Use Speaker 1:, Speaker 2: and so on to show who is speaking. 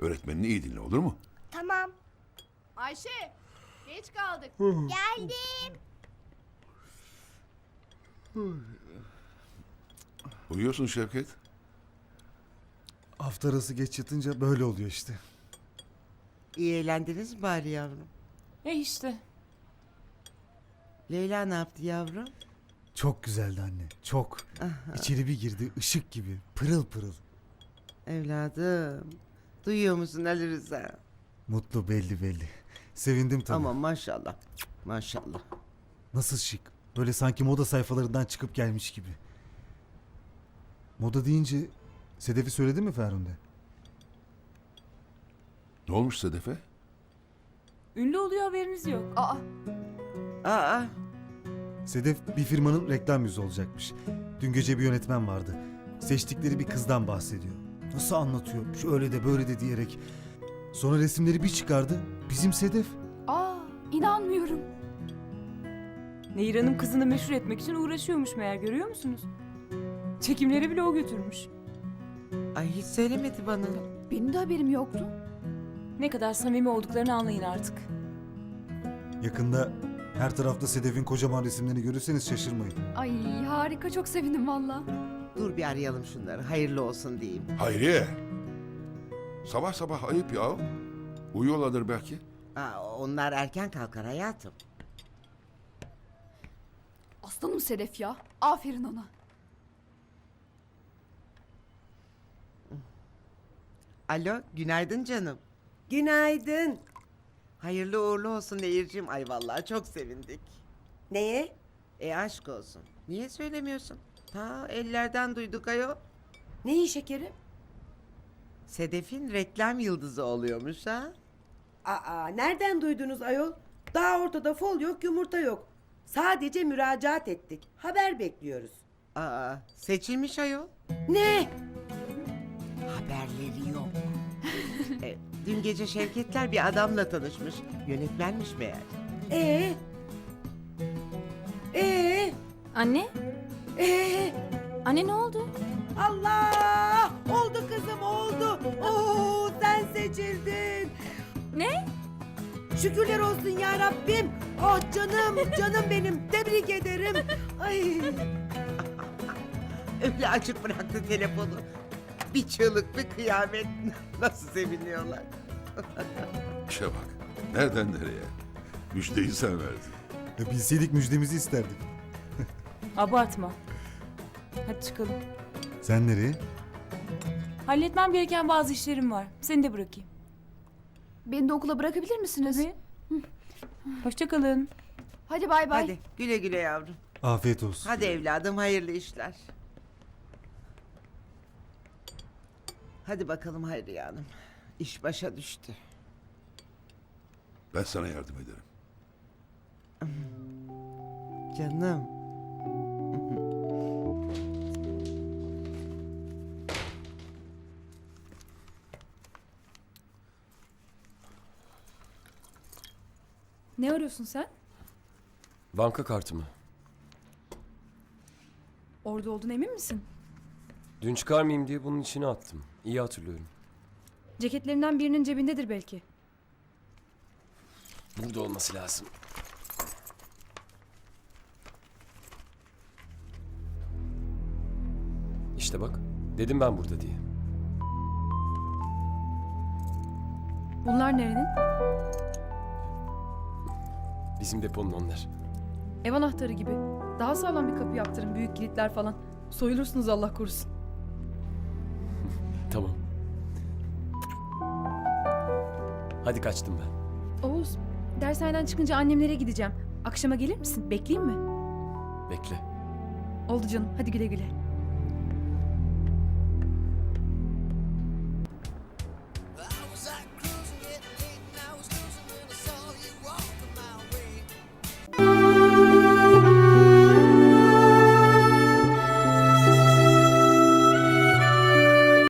Speaker 1: Öğretmenini iyi dinle, olur mu?
Speaker 2: Tamam.
Speaker 3: Ayşe, geç kaldık.
Speaker 2: Geldim.
Speaker 1: Uyuyorsun Şevket.
Speaker 4: Hafta arası geç yatınca böyle oluyor işte.
Speaker 5: İyi eğlendiniz mi bari yavrum?
Speaker 3: İşte.
Speaker 5: Leyla ne yaptı yavrum?
Speaker 4: Çok güzeldi anne, çok. İçeri bir girdi, ışık gibi, pırıl pırıl.
Speaker 5: Evladım. Duyuyor musun Ali Rıza?
Speaker 4: Mutlu belli belli. Sevindim tabii.
Speaker 5: Ama maşallah. Maşallah.
Speaker 4: Nasıl şık. Böyle sanki moda sayfalarından çıkıp gelmiş gibi. Moda deyince Sedef'i söyledi mi Ferhunde?
Speaker 1: Ne olmuş Sedef'e?
Speaker 3: Ünlü oluyor, haberiniz yok. Aa,
Speaker 5: Aa,
Speaker 4: Sedef bir firmanın reklam yüzü olacakmış. Dün gece bir yönetmen vardı. Seçtikleri bir kızdan bahsediyor. Nasıl anlatıyor? Şöyle de böyle de diyerek. Sonra resimleri bir çıkardı. Bizim Sedef.
Speaker 3: inanmıyorum. Nehir Hanım kızını meşhur etmek için uğraşıyormuş meğer, görüyor musunuz? Çekimleri bile o götürmüş.
Speaker 5: ay hiç söylemedi bana.
Speaker 3: Benim de haberim yoktu. Ne kadar samimi olduklarını anlayın artık.
Speaker 4: Yakında her tarafta Sedef'in kocaman resimlerini görürseniz şaşırmayın.
Speaker 6: Ay harika, çok sevindim valla.
Speaker 5: Dur bir arayalım şunları. Hayırlı olsun diyeyim.
Speaker 1: Hayriye! Sabah sabah ayıp ya. Uyuyorlardır belki.
Speaker 5: Aa, onlar erken kalkar hayatım.
Speaker 6: Aslanım Sedef ya. Aferin ona.
Speaker 5: Alo, günaydın canım.
Speaker 7: Günaydın.
Speaker 5: Hayırlı uğurlu olsun Nehir'cim. Ay vallahi çok sevindik.
Speaker 7: Neye?
Speaker 5: Aşk olsun. Niye söylemiyorsun? Ta ellerden duyduk ayol.
Speaker 7: Neyi şekerim?
Speaker 5: Sedef'in reklam yıldızı oluyormuş ha.
Speaker 7: Aa, nereden duydunuz ayol? Daha ortada fol yok, yumurta yok. Sadece müracaat ettik. Haber bekliyoruz.
Speaker 5: Aa, seçilmiş ayol.
Speaker 7: Ne?
Speaker 5: Haberleri yok. Dün gece Şevketler bir adamla tanışmış. Yönetmenmiş meğer.
Speaker 7: Ee? Ee?
Speaker 3: Anne?
Speaker 7: Ee?
Speaker 3: Anne ne oldu?
Speaker 7: Allah! Oldu kızım, oldu. Oo, sen seçildin.
Speaker 3: Ne?
Speaker 7: Şükürler olsun ya Rabbim. Oh canım, canım benim. Tebrik ederim. Ay.
Speaker 5: Öyle açık bıraktı telefonu. Bir çığlık bir kıyamet. Nasıl seviniyorlar.
Speaker 1: İşe bak. Nereden nereye? Müjdeyi sen verdin.
Speaker 4: Bilseydik müjdemizi isterdik.
Speaker 3: Abartma. Hadi çıkalım.
Speaker 4: Sen nereye?
Speaker 3: Halletmem gereken bazı işlerim var. Seni de bırakayım.
Speaker 6: Beni de okula bırakabilir misiniz?
Speaker 3: Tabii. Hoşça kalın.
Speaker 6: Hadi bay bay.
Speaker 5: Hadi güle güle yavrum.
Speaker 4: Afiyet olsun.
Speaker 5: Hadi evladım hayırlı işler. Hadi bakalım Hayriye Hanım. İş başa düştü.
Speaker 1: Ben sana yardım ederim.
Speaker 5: Canım.
Speaker 3: Ne arıyorsun sen?
Speaker 8: Banka kartımı.
Speaker 3: Orada olduğuna emin misin?
Speaker 8: Dün çıkarmayayım diye bunun içine attım. İyi hatırlıyorum.
Speaker 3: Ceketlerinden birinin cebindedir belki.
Speaker 8: Burada olması lazım. İşte bak. Dedim ben burada diye.
Speaker 3: Bunlar nerenin?
Speaker 8: Bizim deponun onlar.
Speaker 3: Ev anahtarı gibi. Daha sağlam bir kapı yaptırın, büyük kilitler falan. Soyulursunuz Allah korusun.
Speaker 8: Tamam. Hadi kaçtım ben.
Speaker 3: Oğuz, dershaneden çıkınca annemlere gideceğim. Akşama gelir misin? Bekleyeyim mi?
Speaker 8: Bekle.
Speaker 3: Oldu canım, hadi güle güle.